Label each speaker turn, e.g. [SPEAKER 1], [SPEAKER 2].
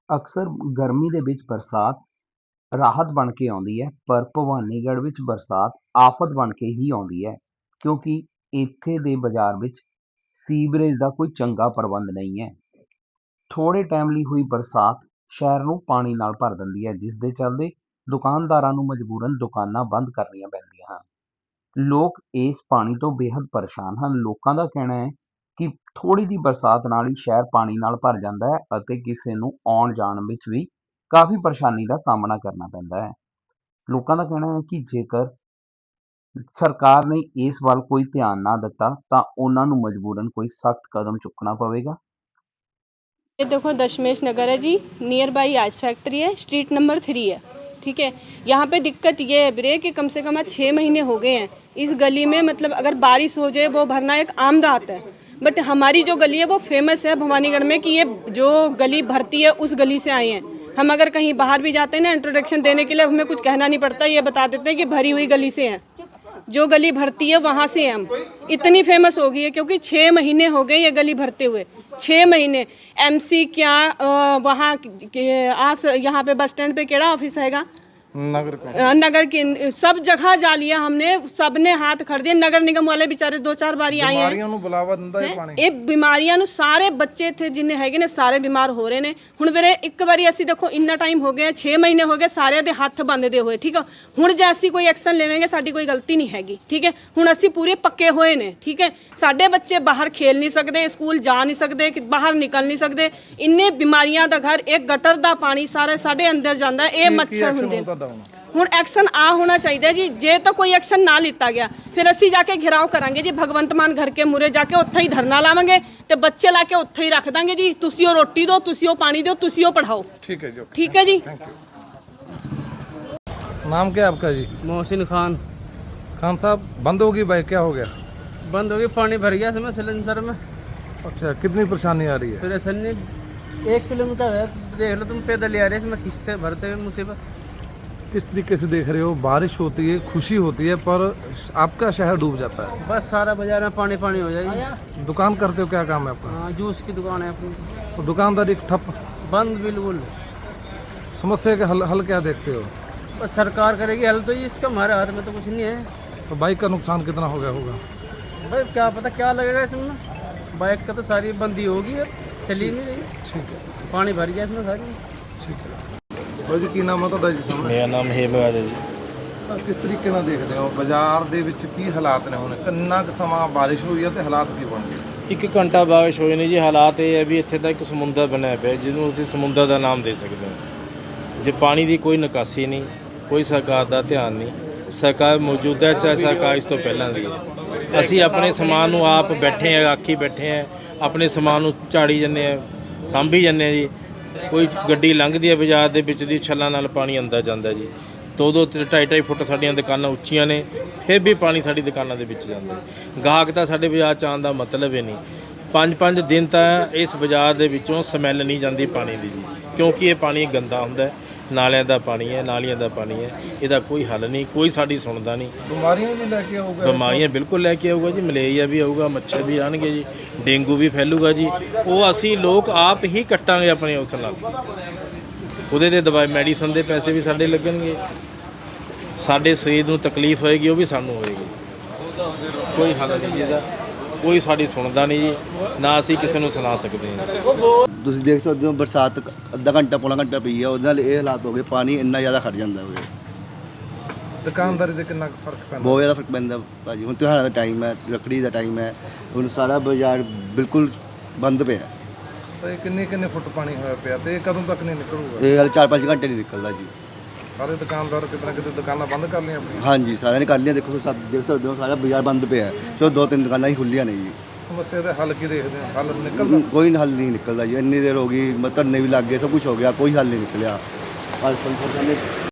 [SPEAKER 1] ਅਕਸਰ ਗਰਮੀ ਦੇ ਵਿੱਚ ਬਰਸਾਤ ਰਾਹਤ ਬਣ ਕੇ ਆਉਂਦੀ ਹੈ, ਪਰ ਭਵਾਨੀਗੜ੍ਹ ਵਿੱਚ ਬਰਸਾਤ ਆਫ਼ਤ ਬਣ ਕੇ ਹੀ ਆਉਂਦੀ ਹੈ, ਕਿਉਂਕਿ ਇੱਥੇ ਦੇ ਬਾਜ਼ਾਰ ਵਿੱਚ ਸੀਵਰੇਜ ਦਾ ਕੋਈ ਚੰਗਾ ਪ੍ਰਬੰਧ ਨਹੀਂ ਹੈ। ਥੋੜ੍ਹੇ ਟਾਈਮ ਲਈ ਹੋਈ ਬਰਸਾਤ ਸ਼ਹਿਰ ਨੂੰ ਪਾਣੀ ਨਾਲ ਭਰ ਦਿੰਦੀ ਹੈ, ਜਿਸ ਦੇ ਚੱਲਦੇ ਦੁਕਾਨਦਾਰਾਂ ਨੂੰ ਮਜਬੂਰਨ ਦੁਕਾਨਾਂ ਬੰਦ ਕਰਨੀਆਂ ਪੈਂਦੀਆਂ ਹਨ। ਲੋਕ ਇਸ ਪਾਣੀ ਤੋਂ ਬੇਹੱਦ ਪਰੇਸ਼ਾਨ ਹਨ। ਲੋਕਾਂ ਦਾ ਕਹਿਣਾ ਹੈ ਕਿ ਥੋੜ੍ਹੀ ਜਿਹੀ ਬਰਸਾਤ ਨਾਲ ਹੀ ਸ਼ਹਿਰ ਪਾਣੀ ਨਾਲ ਭਰ ਜਾਂਦਾ ਹੈ ਅਤੇ ਕਿਸੇ ਨੂੰ ਆਉਣ ਜਾਣ ਵਿੱਚ ਵੀ ਕਾਫੀ ਪਰੇਸ਼ਾਨੀ ਦਾ ਸਾਹਮਣਾ ਕਰਨਾ ਪੈਂਦਾ ਹੈ। ਲੋਕਾਂ ਦਾ ਕਹਿਣਾ ਹੈ ਕਿ ਜੇਕਰ ਸਰਕਾਰ ਨੇ ਇਸ ਵੱਲ ਕੋਈ ਧਿਆਨ ਨਾ ਦਿੱਤਾ ਤਾਂ ਉਹਨਾਂ ਨੂੰ ਮਜਬੂਰਨ ਕੋਈ सख्त कदम चुकना पवेगा।
[SPEAKER 2] ये देखो दशमेश नगर है जी, नियर बाई आइस फैक्ट्री है, स्ट्रीट नंबर 3 है। ठीक है, यहाँ पे दिक्कत ये है वीरे कि कम से कम आज 6 महीने हो गए हैं इस गली में। मतलब अगर बारिश हो जाए वो भरना एक आम बात है, बट हमारी जो गली है वो फेमस है भवानीगढ़ में कि ये जो गली भरती है उस गली से आए हैं। हम अगर कहीं बाहर भी जाते हैं ना इंट्रोडक्शन देने के लिए, हमें कुछ कहना नहीं पड़ता, ये बता देते हैं कि भरी हुई गली से हैं, जो गली भरती है वहाँ से हम। इतनी फेमस हो गई है क्योंकि 6 महीने हो गए ये गली भरते हुए, 6 महीने। एमसी क्या वहाँ आस यहाँ पे बस स्टैंड पे केड़ा ऑफिस हैगा, नगर की सब जगह जा लिया हमने, सबने हाथ खड़ दिए। नगर निगम वाले बेचारे 2-4 बारी आए हैं। ये बीमारियां ਨੂੰ ਸਾਰੇ ਬੱਚੇ ਇੱਥੇ ਜਿੰਨੇ ਹੈਗੇ ਨੇ ਸਾਰੇ ਬਿਮਾਰ ਹੋ ਰਹੇ ਨੇ। ਹੁਣ ਵੀਰੇ ਇੱਕ ਵਾਰੀ ਅਸੀਂ ਦੇਖੋ ਇੰਨਾ ਟਾਈਮ ਹੋ ਗਿਆ, 6 ਮਹੀਨੇ ਹੋ ਗਏ ਸਾਰਿਆਂ ਦੇ ਹੱਥ ਬੰਨਦੇ ਹੋਏ। ਠੀਕ ਆ, ਹੁਣ ਜੇ ਅਸੀਂ ਕੋਈ ਐਕਸ਼ਨ ਲਵਾਂਗੇ ਸਾਡੀ ਕੋਈ ਗਲਤੀ ਨਹੀਂ ਹੈਗੀ। ਠੀਕ ਹੈ, ਹੁਣ ਅਸੀਂ ਪੂਰੇ ਪੱਕੇ ਹੋਏ ਨੇ। ਠੀਕ ਹੈ, ਸਾਡੇ ਬੱਚੇ ਬਾਹਰ ਖੇਲ ਨਹੀਂ ਸਕਦੇ, ਸਕੂਲ ਜਾ ਨਹੀਂ ਸਕਦੇ, ਬਾਹਰ ਨਿਕਲ ਨਹੀਂ ਸਕਦੇ। ਇੰਨੇ ਬਿਮਾਰੀਆਂ ਦਾ ਘਰ, ਇੱਕ ਗਟਰ ਦਾ ਪਾਣੀ ਸਾਰਾ ਸਾਡੇ ਅੰਦਰ ਜਾਂਦਾ, ਇਹ ਮੱਛਰ ਹੁੰਦੇ ਨੇ। ਹੁਣ ਐਕਸ਼ਨ ਆ ਹੋਣਾ ਚਾਹੀਦਾ ਜੀ। ਜੇ ਤਾਂ ਕੋਈ ਐਕਸ਼ਨ ਨਾ ਲਿੱਤਾ ਗਿਆ ਫਿਰ ਅਸੀਂ ਜਾ ਕੇ ਘਿਰਾਓ ਕਰਾਂਗੇ ਜੀ, ਭਗਵੰਤ ਮਾਨ ਘਰ ਕੇ ਮੂਰੇ ਜਾ ਕੇ ਉੱਥੇ ਹੀ ਧਰਨਾ ਲਾਵਾਂਗੇ ਤੇ ਬੱਚੇ ਲਾ ਕੇ ਉੱਥੇ ਹੀ ਰੱਖ ਦਾਂਗੇ ਜੀ। ਤੁਸੀਂ ਉਹ ਰੋਟੀ ਦਿਓ, ਤੁਸੀਂ ਉਹ ਪਾਣੀ ਦਿਓ, ਤੁਸੀਂ ਉਹ पढ़ाओ।
[SPEAKER 3] ठीक है जी,
[SPEAKER 2] ठीक है जी।
[SPEAKER 3] नाम क्या है आपका जी?
[SPEAKER 4] मोहसिन खान।
[SPEAKER 3] खान साहब, बंद होगी बाइक, क्या हो गया?
[SPEAKER 4] बंद हो गई, पानी भर गया इसमें सिलेंडर में।
[SPEAKER 3] अच्छा, कितनी परेशानी आ रही है?
[SPEAKER 4] परेशानी 1 किलोमीटर है, देख लो तुम, पैदल आ रहे हैं इसमें खींचते भरते हुए मुसीबत।
[SPEAKER 3] किस तरीके से देख रहे हो? बारिश होती है, खुशी होती है, पर आपका शहर डूब जाता है।
[SPEAKER 4] बस सारा बाजार में पानी पानी हो जाएगी।
[SPEAKER 3] दुकान करते हो, क्या काम है आपका?
[SPEAKER 4] हाँ, जूस की दुकान है अपनी,
[SPEAKER 3] तो दुकानदारी ठप,
[SPEAKER 4] बंद बिल्कुल।
[SPEAKER 3] समस्या के हल क्या देखते हो?
[SPEAKER 4] बस सरकार करेगी हल, तो इसका हमारे हाथ में तो कुछ नहीं है।
[SPEAKER 3] तो बाइक का नुकसान कितना हो गया होगा?
[SPEAKER 4] भाई क्या पता क्या लगेगा इसमें, बाइक का तो सारी बंदी होगी, अब चली नहीं रही।
[SPEAKER 3] ठीक है,
[SPEAKER 4] पानी भर गया इसमें सारी।
[SPEAKER 3] ठीक है ਜੀ। ਕੀ ਨਾਮ ਹੈ ਤੁਹਾਡਾ ਜੀ? ਸਾਹਮਣੇ
[SPEAKER 5] ਮੇਰਾ ਨਾਮ ਹੇਮਰਾਜ ਹੈ ਜੀ।
[SPEAKER 3] ਕਿਸ ਤਰੀਕੇ ਨਾਲ ਦੇਖਦੇ ਹੋ ਬਾਜ਼ਾਰ ਦੇ ਵਿੱਚ ਕੀ ਹਾਲਾਤ ਨੇ? ਹੁਣ ਕਿੰਨਾ ਕੁ ਸਮਾਂ ਬਾਰਿਸ਼ ਹੋਈ ਹੈ ਤੇ ਹਾਲਾਤ ਕੀ ਬਣ ਗਏ?
[SPEAKER 5] 1 ਘੰਟਾ ਬਾਰਿਸ਼ ਹੋਈ ਨੇ ਜੀ। ਹਾਲਾਤ ਇਹ ਹੈ ਵੀ ਇੱਥੇ ਤਾਂ ਇੱਕ ਸਮੁੰਦਰ ਬਣਿਆ ਪਿਆ ਜਿਹਨੂੰ ਅਸੀਂ ਸਮੁੰਦਰ ਦਾ ਨਾਮ ਦੇ ਸਕਦੇ ਹਾਂ। ਜੇ ਪਾਣੀ ਦੀ ਕੋਈ ਨਿਕਾਸੀ ਨਹੀਂ, ਕੋਈ ਸਰਕਾਰ ਦਾ ਧਿਆਨ ਨਹੀਂ। ਸਰਕਾਰ ਮੌਜੂਦਾ ਚਾਹੇ ਸਰਕਾਰ ਇਸ ਤੋਂ ਪਹਿਲਾਂ ਦੀ ਹੈ। ਅਸੀਂ ਆਪਣੇ ਸਮਾਨ ਨੂੰ ਆਪ ਬੈਠੇ ਹਾਂ, ਆਖੀ ਬੈਠੇ ਹਾਂ, ਆਪਣੇ ਸਮਾਨ ਨੂੰ ਝਾੜੀ ਜਾਂਦੇ ਹਾਂ, ਸਾਂਭੀ ਜਾਂਦੇ ਹਾਂ ਜੀ। ਕੋਈ ਗੱਡੀ ਲੰਘਦੀ ਹੈ ਬਾਜ਼ਾਰ ਦੇ ਵਿੱਚ ਦੀ, ਛੱਲਾਂ ਨਾਲ ਪਾਣੀ ਅੰਦਰ ਜਾਂਦਾ ਜੀ। 2-2 2.5 ਫੁੱਟ ਸਾਡੀਆਂ ਦੁਕਾਨਾਂ ਉੱਚੀਆਂ ਨੇ, ਫਿਰ ਵੀ ਪਾਣੀ ਸਾਡੀ ਦੁਕਾਨਾਂ ਦੇ ਵਿੱਚ ਜਾਂਦਾ। ਗਾਹਕ ਤਾਂ ਸਾਡੇ ਬਾਜ਼ਾਰ 'ਚ ਆਉਣ ਦਾ ਮਤਲਬ ਹੀ ਨਹੀਂ। 5-5 ਦਿਨ ਤਾਂ ਇਸ ਬਾਜ਼ਾਰ ਦੇ ਵਿੱਚੋਂ ਸਮੈਲ ਨਹੀਂ ਜਾਂਦੀ ਪਾਣੀ ਦੀ ਜੀ, ਕਿਉਂਕਿ ਇਹ ਪਾਣੀ ਗੰਦਾ ਹੁੰਦਾ। ਨਾਲਿਆਂ ਦਾ ਪਾਣੀ ਹੈ, ਨਾਲੀਆਂ ਦਾ ਪਾਣੀ ਹੈ, ਇਹਦਾ ਕੋਈ ਹੱਲ ਨਹੀਂ, ਕੋਈ ਸਾਡੀ ਸੁਣਦਾ ਨਹੀਂ।
[SPEAKER 3] ਬਿਮਾਰੀਆਂ ਵੀ ਲੈ ਕੇ ਆਊਗਾ?
[SPEAKER 5] ਬਿਮਾਰੀਆਂ ਬਿਲਕੁਲ ਲੈ ਕੇ ਆਊਗਾ ਜੀ। ਮਲੇਰੀਆ ਵੀ ਆਊਗਾ, ਮੱਛਰ ਵੀ ਆਉਣਗੇ ਜੀ, ਡੇਂਗੂ ਵੀ ਫੈਲੂਗਾ ਜੀ। ਉਹ ਅਸੀਂ ਲੋਕ ਆਪ ਹੀ ਕੱਟਾਂਗੇ ਆਪਣੇ ਉਸ ਨਾਲ। ਉਹਦੇ 'ਤੇ ਦਵਾਈ ਮੈਡੀਸਨ ਦੇ ਪੈਸੇ ਵੀ ਸਾਡੇ ਲੱਗਣਗੇ। ਸਾਡੇ ਸਰੀਰ ਨੂੰ ਤਕਲੀਫ ਹੋਏਗੀ, ਉਹ ਵੀ ਸਾਨੂੰ ਹੋਏਗੀ। ਕੋਈ ਹੱਲ ਨਹੀਂ ਇਹਦਾ, ਕੋਈ ਸਾਡੀ ਸੁਣਦਾ ਨਹੀਂ ਜੀ, ਨਾ ਅਸੀਂ ਕਿਸੇ ਨੂੰ ਸੁਣਾ ਸਕਦੇ ਹਾਂ।
[SPEAKER 6] ਤੁਸੀਂ ਦੇਖ ਸਕਦੇ ਹੋ ਬਰਸਾਤ ਅੱਧਾ ਘੰਟਾ ਪੌਣਾ ਘੰਟਾ ਪਈ ਆ, ਉਹਦੇ ਨਾਲ ਇਹ ਹਾਲਾਤ ਹੋ ਗਏ, ਪਾਣੀ ਇੰਨਾ ਜ਼ਿਆਦਾ ਖੜ ਜਾਂਦਾ ਹੋਵੇ।
[SPEAKER 3] ਦੁਕਾਨਦਾਰੀ ਦੇ ਕਿੰਨਾ ਫਰਕ ਪੈਂਦਾ?
[SPEAKER 6] ਬਹੁਤ ਜ਼ਿਆਦਾ ਫਰਕ ਪੈਂਦਾ ਭਾਜੀ। ਹੁਣ ਤਿਉਹਾਰਾਂ ਦਾ ਟਾਈਮ ਹੈ, ਰੱਖੜੀ ਦਾ ਟਾਈਮ ਹੈ, ਹੁਣ ਸਾਰਾ ਬਾਜ਼ਾਰ ਬਿਲਕੁਲ ਬੰਦ ਪਿਆ।
[SPEAKER 3] ਤੇ ਕਿੰਨੇ ਫੁੱਟ ਪਾਣੀ ਹੋਇਆ ਪਿਆ ਤੇ ਕਦੋਂ ਤੱਕ ਨਹੀਂ ਨਿਕਲੂਗਾ?
[SPEAKER 6] ਇਹ ਹਾਲੇ 4-5 ਘੰਟੇ ਨਹੀਂ ਨਿਕਲਦਾ ਜੀ।
[SPEAKER 3] ਸਾਰੇ ਦੁਕਾਨਦਾਰ ਕਿਤੇ ਨਾ ਕਿਤੇ ਦੁਕਾਨਾਂ ਬੰਦ ਕਰ ਲਈਆਂ ਆਪਣੀਆਂ?
[SPEAKER 6] ਹਾਂਜੀ, ਸਾਰਿਆਂ ਨੇ ਕਰ ਲਿਆ। ਦੇਖੋ ਸਭ ਦੇਖ ਸਕਦੇ ਹੋ, ਸਾਰਾ ਬਾਜ਼ਾਰ ਬੰਦ ਪਿਆ। ਸੋ 2-3 ਦੁਕਾਨਾਂ ਹੀ ਖੁੱਲੀਆਂ ਨੇ ਜੀ।
[SPEAKER 3] ਸਮੱਸਿਆ ਦਾ ਹੱਲ ਕੀ ਦੇਖਦੇ ਹੋ? ਹੱਲ ਨਿਕਲਦਾ?
[SPEAKER 6] ਕੋਈ ਹੱਲ ਨਹੀਂ ਨਿਕਲਦਾ ਜੀ। ਇੰਨੀ ਦੇਰ ਹੋ ਗਈ, ਧਰਨੇ ਵੀ ਲੱਗ ਗਏ, ਸਭ ਕੁਝ ਹੋ ਗਿਆ, ਕੋਈ ਹੱਲ ਨਹੀਂ ਨਿਕਲਿਆ। ਅੱਜ